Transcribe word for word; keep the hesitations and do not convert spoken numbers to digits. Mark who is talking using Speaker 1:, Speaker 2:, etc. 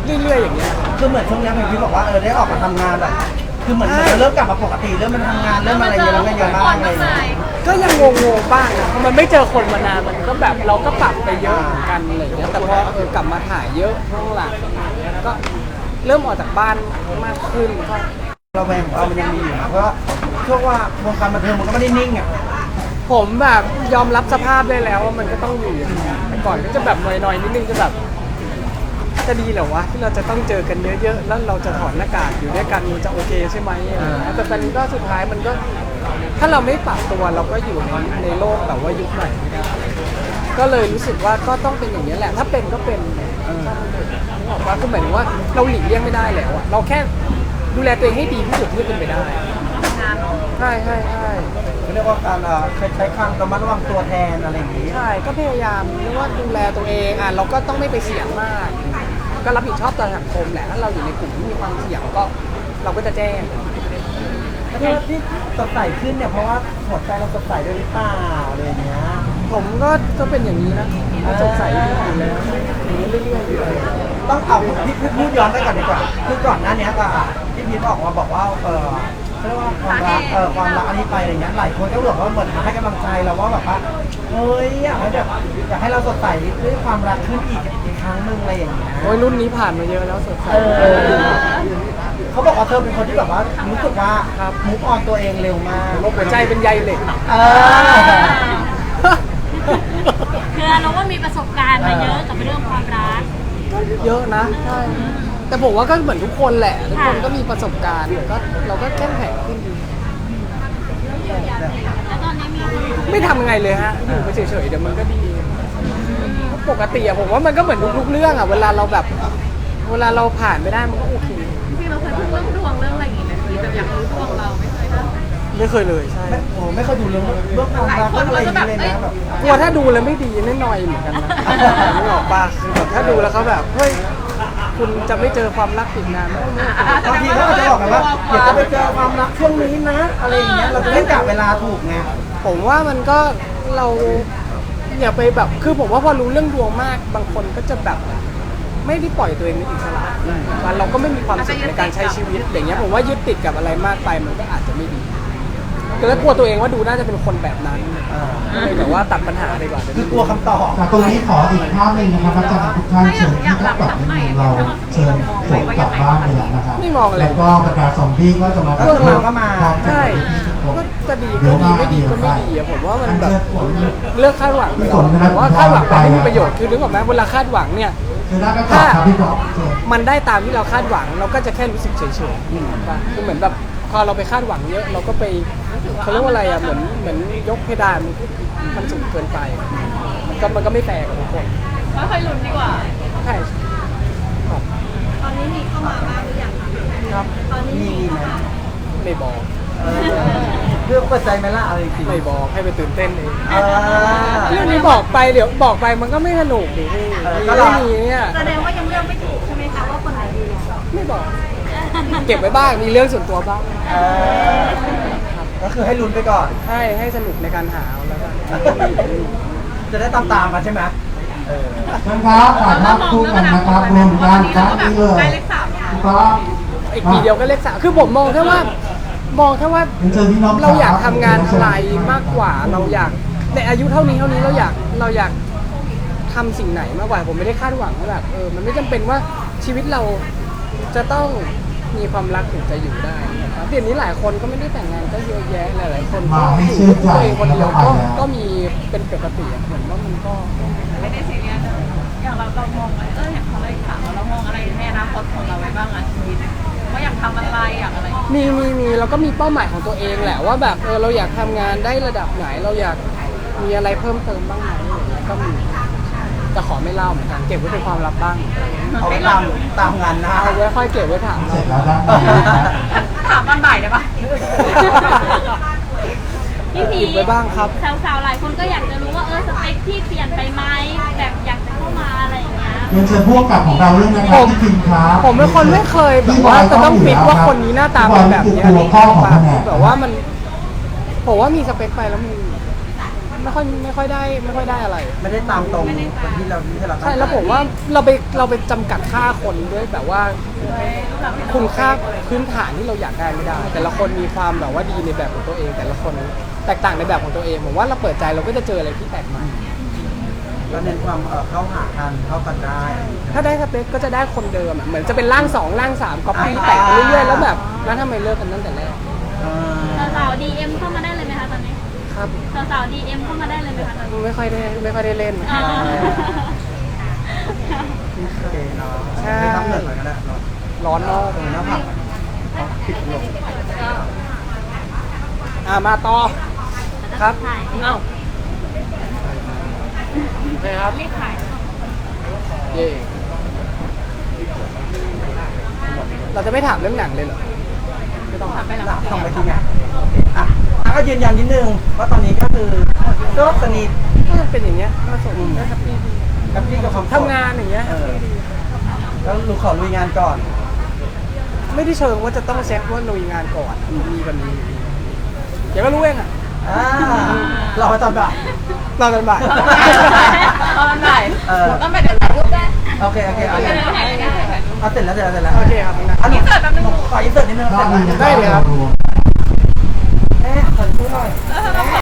Speaker 1: เรื่อยๆอย่างเงี้ย
Speaker 2: คือเหมือนช่วงนี้พี่บอกว่าเออได้ออกมาทำงานแบบคือเหมือนมันเริ่มกลับมาปกติเริ่มมันทำงานเริ่มอะไรเยอะแล้วเยอะมากเลย
Speaker 1: ก็ยังงงๆบ้างนะเพราะมันไม่เจอคนมานานมันก็แบบเราก็ปรับไปเยอะเหมือนกันอะไรอย่างเงี้ยแต่พอเออกลับมาถ่ายเยอะช่วงหลังก็เริ่มออกจากบ้านมากขึ้นก็
Speaker 2: เราแวงของเรามันยังมีอยู่นะเพราะช่วงว่าวงการบันเทิงมันก็ไม่ได้นิ่งอ่ะ
Speaker 1: ผมแบบยอมรับสภาพได้แล้วว่ามันก็ต้องอยู่อย่างนี้แต่ก่อนก็จะแบบหน่อยๆนิดนึงจะแบบจะดีเหรอวะที่เราจะต้องเจอกันเยอะๆแล้วเราจะถอดหน้ากากอยู่ด้วยกันมันจะโอเคใช่ไหมแต่ตอนนี้ก็สุดท้ายมันก็ถ้าเราไม่ปรับตัวเราก็อยู่ในในโลกแบบว่ายุคใหม่ไม่ได้ก็เลยรู้สึกว่าก็ต้องเป็นอย่างนี้แหละถ้าเป็นก็เป็นบอกว่าคือหมายถึงว่าเราหลีกเลี่ยงไม่ได้แล้วอะเราแค่ดูแลตัวเองให้ดีที่สุดที่จะเป็นไปได้ใช่ใช่ใช่
Speaker 2: เรียกว่าการใช้คำระมัดระวังตัวแทนอะไรอย่างนี้
Speaker 1: ใช่ก็พยายามเรียกว่าดูแลตัวเองอ่ะเราก็ต้องไม่ไปเสี่ยงมากก็รับผิดชอบต่อสังคมแหละถ้าเราอยู่ในกลุ่มที่มีความเสี่ยงก็เราก็จะแจ้ง
Speaker 2: ที่ที่สดใสขึ้นเนี่ยเพราะว่าหัวใจเราสดใสด้วยหรือเปล่าอะไรอย่างเงี้ย
Speaker 1: ผมก็ก็เป็นอย่างนี้นะสดใสอยู่แล้วเรื่อยๆอยู่เลย
Speaker 2: ต้องเอาพี่พูดย้อนไปก่อนดีกว่าคือก่อนหน้านี้ก็พี่พีทออกมาบอกว่าเออเรียกว่าความรักเออความรักอันนี้ไปอะไรเงี้ยหลายคนก็บอกว่าเหมือนมาให้กำลังใจเราว่าแบบว่าเฮ้ยอยากให้แบบอยากให้เราสดใสด้วยความรักขึ้นอีกอีกครั้งหนึ่งอะไรอย่างเงี้ย
Speaker 1: โอ้ยรุ่นนี้ผ่านมาเยอะแล้วสดใส
Speaker 2: เขาบอกว่าเธอเป็นคนที่แบบว่ารู้สึกว่ามุกออนตัวเองเร็วมาก
Speaker 1: หัวใจเป็นใยเหล็ก
Speaker 3: คือเราก็มีประสบการณ์มาเยอะกับเรื่องความรัก
Speaker 1: เยอะนะใช่แต่ผมว่าก็เหมือนทุกคนแหละทุกคนก็มีประสบการณ์ก็เราก็เข้มแข็งขึ้นดี
Speaker 3: แล้วตอนนี้มี
Speaker 1: ไม่ทำไงเลยฮะอยู่ไปเฉยๆเดี๋ยวมันก็ดีปกติอะผมว่ามันก็เหมือนทุกๆเรื่องอะเวลาเราแบบเวลาเราผ่านไม่ได้มันก็โอเค
Speaker 3: จริงๆเราเคยพูดเรื่องดวงเรื่องอะไรอย่างเงี้ยแต่อยากรู้ดวงเราไม่เคยนะ
Speaker 1: ไม่เคยเลยใช่
Speaker 2: โอ้ไม่เคยดูเรื่องเรื่องความรักอะไรอย่างเงี้ยเลยนะแบบ
Speaker 1: กลัวถ้าดูแล้วไม่ดีแน่นอนเหมือนกันนะไม่ออกปะคือแบบถ้าดูแล้วเขาแบบเฮ้ยคุณจะไม่เจอความรักอีกนาน
Speaker 2: บางทีเขาจะบอกกันว่าเดี๋ยวจะไปเจอความรักช่วงนี้นะอะไรอย่างเงี้ยเราจะได้กะเวลาถูกไง
Speaker 1: ผมว่ามันก็เราอย่าไปแบบคือผมว่าพอรู้เรื่องดวงมากบางคนก็จะแบบไม่ได้ปล่อยตัวเองเป็นอิสระมันเราก็ไม่มีความสุขในการใช้ชีวิตอย่างเงี้ยผมว่ายึดติดกับอะไรมากไปมันก็อาจจะไม่ดีก็เลยกลัวตัวเองว่าดูน่าจะเป็นคนแบบนั้นเลยแต่ว่าตัดปัญหาไปก่อน
Speaker 2: คือกลัวคำตอบ
Speaker 4: ตรงนี้ขออีกภาพหนึ่งนะครับอาจารย์ทุกท่านเชิญที่ทับกับในมือเราเชิญฝนกลับบ้านเลยนะครับแล้วก็บรรดาซอมบี้ก็จะมา
Speaker 1: เรื่องเราก็มาใช่ก็จะดีก็ดีไม่ดีก็ไม่ดีผมว่ามันแบบเลือกคาดหวังผมว่าคาดหวังไม่มีประโยชน์คือนึกออกไหมเวลาคาดหวังเนี่ยถ้ามันได้ตามที่เราคาดหวังเราก็จะแค่รู้สึกเฉยๆคือเหมือนแบบพอเราไปคาดหวังเยอะเราก็ไปเขาเรียกว่าอะไรอ่ะเหมือนเหมือนยกเพดานมันสูงเกินไปมันก็มันก็ไม่แฟร์กับทุกคน
Speaker 3: ค่อยๆลุ้นดีกว่า
Speaker 1: ใช่
Speaker 3: ตอนนี้มีเข้ามาบ้างหรือยัง
Speaker 1: ครับ
Speaker 3: ตอนนี้มี
Speaker 1: ไม่บอก
Speaker 2: เรื่องเปิดใจไหมล่ะอะไรจริง
Speaker 1: ไม่บอกให้ไปตื่นเต้นเองเรื่องนี้บอกไปเดี๋ยวบอกไปมันก็ไม่สนุกดิพี่ก็ไม่มีเนี่ย
Speaker 3: แสดงว่ายังเลือกไม่ถูกใช่ไหมคะว่าคนไหนดี
Speaker 1: ไม่บอกเก็บไว้บ้างมีเรื่องส่วนตัวบ้าง
Speaker 2: ก็คือให้ลุ้นไปก่อน
Speaker 1: ให้ให้สนุกในการหาแล้วกัน
Speaker 2: จะได้ตามตามมาใช่ไหมเออ
Speaker 4: ท่านครับฝากภาพคู่กันนะครับรวมกันครับนี่เลยครับ
Speaker 1: อีกปีเดียวก็เลขสามคือผมมองแค่ว่ามองแค่ว่าเราอยากทำงานอะไรมากกว่าเราอยากในอายุเท่านี้เท่านี้เราอยากเราอยากทำสิ่งไหนมากกว่าผมไม่ได้คาดหวังว่าแบบเออมันไม่จำเป็นว่าชีวิตเราจะต้องมีความรักถึงจะอยู่ได้เดี๋ยวนี้หลายคนก็ไม่ได้แต่งงานก็เยอะแยะหลายๆคนก็อยู่ตัวเองคนเดียวก็ก็มีเป็นปกติเหมือนว่ามันก็
Speaker 3: ไม่ได้ซีเรียสอย่างเราเรามองเอออย่างเขาเลยถามว่าเรามองอะไรในอนาคตของเราไว้บ้างอ่ะชีวิตว่าอยากทำอะไรอยากอะไร
Speaker 1: มีมีมีเราก็มีเป้าหมายของตัวเองแหละว่าแบบเออเราอยากทำงานได้ระดับไหนเราอยากมีอะไรเพิ่มเติมบ้างไหมก็มีจะขอไม่เล่าเหมือนกันเก็บไว้เป็นความลับบ้าง
Speaker 2: เอาตามตามงานนะ
Speaker 1: เอาไว้ค่อยเก็บไว้ถามเรา
Speaker 3: ถามตอนบ่ายได้ปะพี่พี
Speaker 1: ไว้บ้างครับ
Speaker 3: สาวๆหลายคนก็อยากจะรู้ว่าเออสเปคที่เปลี่ยนไปไหมแบบอยากจะเข้ามาอะไรอย่างเงี้ย
Speaker 4: เรียนเชิญพวกกับของเราเรื่องนะครับที่พิมพ์ครับ
Speaker 1: ผมเป็นคนไม่เคยแบบว่าจะต้องฟิกว่าคนนี้หน้าตาเป็นแบบนี้อะไรแบบว่ามันผมว่ามีสเปคไปแล้วมันไม่ค่อยไม่ค่อยได้ไม่ค่อยได้อะไร
Speaker 2: ไม่ได้ตามตรงที่เราที่เราตั้ง
Speaker 1: ใช่แล้วผมว่าเราไปเราไปจำกัดค่าคนด้วยแบบว่าคุณค่าพื้นฐานที่เราอยากได้ไม่ได้ แต่ละคนมีความแบบว่าดีในแบบของตัวเอง แต่ละคนแตกต่างในแบบของตัวเองผมว่าเราเปิดใจเราก็จะเจออะไรที่แปลกใหม่
Speaker 2: ก็เน้นความเอ่อเข้าหากันเข้ากันได้
Speaker 1: ถ้าได้สเปคก็จะได้คนเดิมอะเหมือนจะเป็นร่างสองร่างสามก๊อปปี้แตกไปเรื่อยๆแล้วแบบแล้วทำไมเลิกกันตั้งแต่แรก
Speaker 2: เออ
Speaker 3: สาวๆ ดี เอ็ม เข้ามาได้เลยไหมคะตอนนี้
Speaker 1: ครับ
Speaker 3: สาวๆ ดี เอ็ม เข้ามาได้เลยไหมคะตอนนี้
Speaker 1: ไม่ค่อยได้ไม่ค่อยได้เล่น
Speaker 3: อ่า
Speaker 2: โอเคเนาะ
Speaker 1: ใช่
Speaker 2: ไม่ทำเงินเลยก็ได้เนาะ
Speaker 1: ร้อนนอก
Speaker 2: ตรงหน้าผักเอาปิดลง
Speaker 1: อ่ามาต่อครับ
Speaker 3: ถ่าย
Speaker 1: เอ้าโอเคครับ
Speaker 3: รีบถ่าย
Speaker 1: เย่เราจะไม่ถามเรื่องหนังเลยเหรอไม่ต้อง
Speaker 3: ถ่ายไปแล้ว
Speaker 2: หลังส่งไปทีไงอ่ะอ่ะก็ยืนยันนิดนึงว่าตอนนี้ก็คือก็สนิท
Speaker 1: ก็เป็นอย่างเงี้ยก็สมก็แฮปปี้ดี
Speaker 2: กับพี่กับความ
Speaker 1: ทำงานอย่างเงี้ย
Speaker 2: เออแล้วลูกขอลุยงานก่อน
Speaker 1: ไม่ได้เชิงว่าจะต้องเซ็ตว่าลุยงานก่อนมีกันนี้เดี๋ยวก็รู้เองอ่ะ
Speaker 2: อ่าเราไปตอนบ่าย
Speaker 1: รอกันบ่าย
Speaker 3: ตอนไหน
Speaker 2: เออ
Speaker 3: ต้องไปเดินถ่ายรูปได้
Speaker 2: โอเคโอเคโอเค
Speaker 3: เดินถ่ายได้
Speaker 2: เอาเสร็จแล้วเสร็จแล้วเสร็จแล้ว
Speaker 1: โอเคครับนะ
Speaker 2: อันนี้ขออินเสิร์ตนิดนึง
Speaker 4: รอบหนึงนะค
Speaker 1: ได้
Speaker 4: รับ
Speaker 1: เลยครับ
Speaker 4: รวม
Speaker 2: เอ๊ะขอดูหน่อย